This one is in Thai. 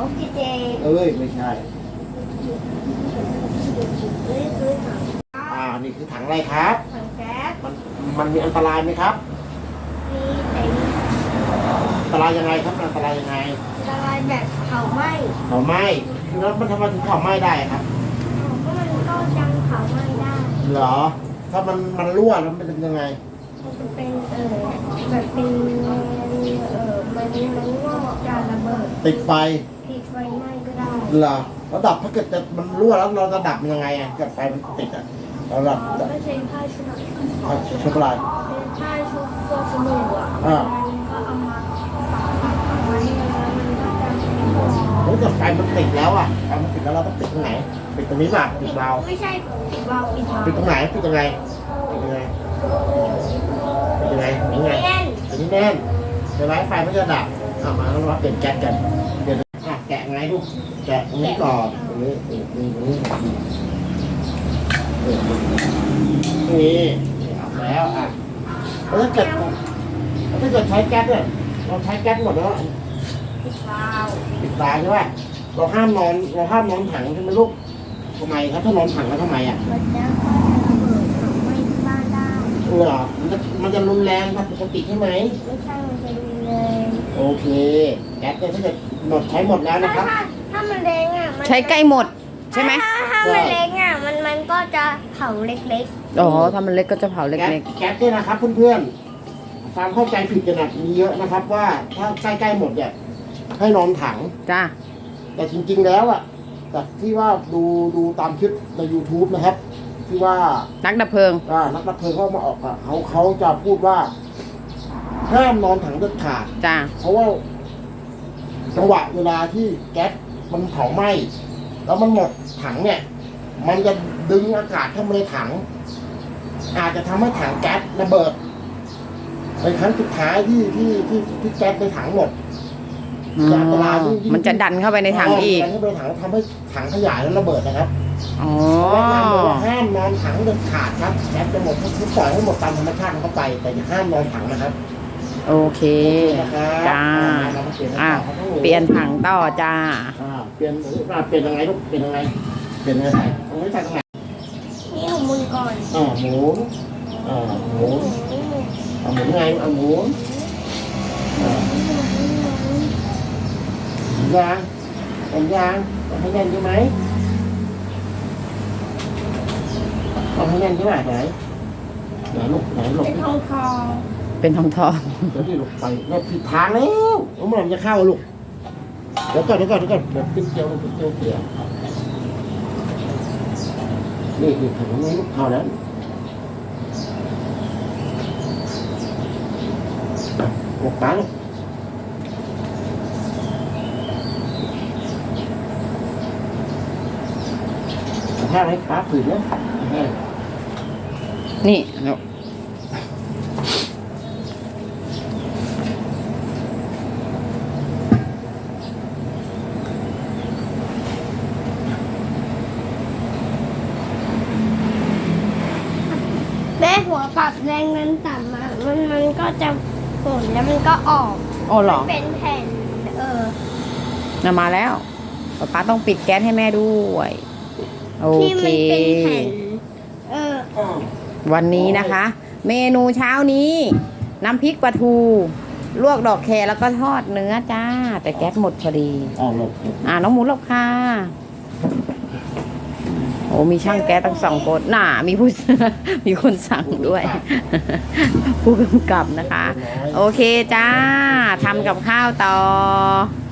อกซิเจนไม่ใช่นี่คือถังอะไรครับถังแก๊สมันมีอันตรายไหมครับมีแต่อันตรายยังไงครับอันตรายยังไงละลายแบบเผาไหม้แล้วมันทำไมถึงเผาไหม้ได้ครับก็มันก็ยังเผาไหม้ได้เหรอถ้ามันรั่วแล้วมันเป็นยังไงมันจะเป็นแบบเป็นมันงอกจะระเบิดติดไฟไหม้ก็ได้เหรอแล้วดับถ้าเกิดมันรั่วแล้วเราจะดับยังไงเกิดไฟมันติดเราดับก็ใช้ผ้าชุบชุบอะไรผ้าชุบพวกสบู่ก็เอามาไว้แล้วมันก็จะแล้วแต่ไฟมันติดแล้วไฟมันติดแล้วเราต้องติดตรงไหนปิดตรงนี้ป่ะปิดวาล์วไม่ใช่ปิดวาล์วปิดตรงไหนปิดยังไงปิดยังไงปิดนี่แน่นเดี๋ยวไฟมันจะดับมาแล้วเราเปลี่ยนแก๊สกันเดี๋ยวแกะไงลูกแกะตรงนี้ก่อนตรงนี้นี่แล้วแล้วถ้าเกิดใช้แก๊สเนี่ยเราใช้แก๊สหมดแล้วปิดวาล์วใช่ไหมเราห้ามนอนถังใช่ไหมลูกทำไมครับถ้านอนถังแล้วทำไมมันจะไม่บ้านได้เหรอมันจะรุนแรงครับปกติใช่ไหมไม่ใช่มันจะรุนแรงโอเคแก๊สเนี่ยถ้าเกิดใช้หมดแล้วนะครับถ้ามันแรงใช้ใกล้หมดใช่ไหมถ้ามันเล็กมันก็จะเผาเล็กๆถ้ามันเล็กก็จะเผาเล็กๆแก๊สเนี่ยนะครับเพื่อนๆความเข้าใจผิดกันมีเยอะนะครับว่าถ้าใกล้หมดเนี่ยให้นอนถังจ้าแต่จริงๆแล้วจากที่ว่าดูตามคลิปใน YouTube นะครับที่ว่านักดับเพลิงเขามาออกเขาจะพูดว่าห้ามนอนถังเด็ดขาดจ้าเพราะว่าจังหวะเวลาที่แก๊สมันเผาไหม้แล้วมันหมดถังเนี่ยมันจะดึงอากาศเข้ามาในถังอาจจะทำให้ถังแก๊สระเบิดในครั้งสุดท้ายที่แก๊สในถังหมดมันจะดันเข้าไปในถังอีกดันเข้าไปในถังทำให้ถังขยายแล้วระเบิดนะครับแนะนำเลยว่าห้ามนอนถังเด็ดขาดครับแก๊สจะหมดทุกปล่อยให้หมดตามธรรมชาติเข้าไปแต่อย่าห้ามนอนถังนะครับโอเคจ้าเปลี่ยนถังต่อจ้าเปลี่ยนยังไงลูกเปลี่ยนยังไงตรงนี้ใส่ตรงไหนนี่หมุนก่อนหมุนหมุนไงหมุนยางต้องให้แน่นใช่ไหมต้องให้แน่นใช่ไหมไหนลูกเป็นทองเป็นทองเดี๋ยวที่ลูกไปเราผิดทางแล้วเมื่อไหร่จะเข้าลูกเดี๋ยวก่อนเดี๋ยวขึ้นเกียวลูกขึ้นเกียวนี่ถังนี้ลูกเข้าแล้วหมดตาลูกแห้งไหมป้าผืนเนี่ยแห้งนี่เนาะแม่หัวปรับแรงนั้นต่ำมันก็จะฝนแล้วมันก็ออกเหรอเป็นแผ่นมาแล้วป้าต้องปิดแก๊สให้แม่ด้วยโอเควันนี้นะคะ เมนูเช้านี้น้ำพริกปลาทูลวกดอกแครแล้วก็ทอดเนื้อจ้าแต่แก๊สหมดพอดีน้องหมูหลบค่ะโอ้มีช่างแก๊สตั้ง2 คนมีคนสั่งด้วยผู้กำกับนะคะโอเคจ้าทำกับข้าวต่อ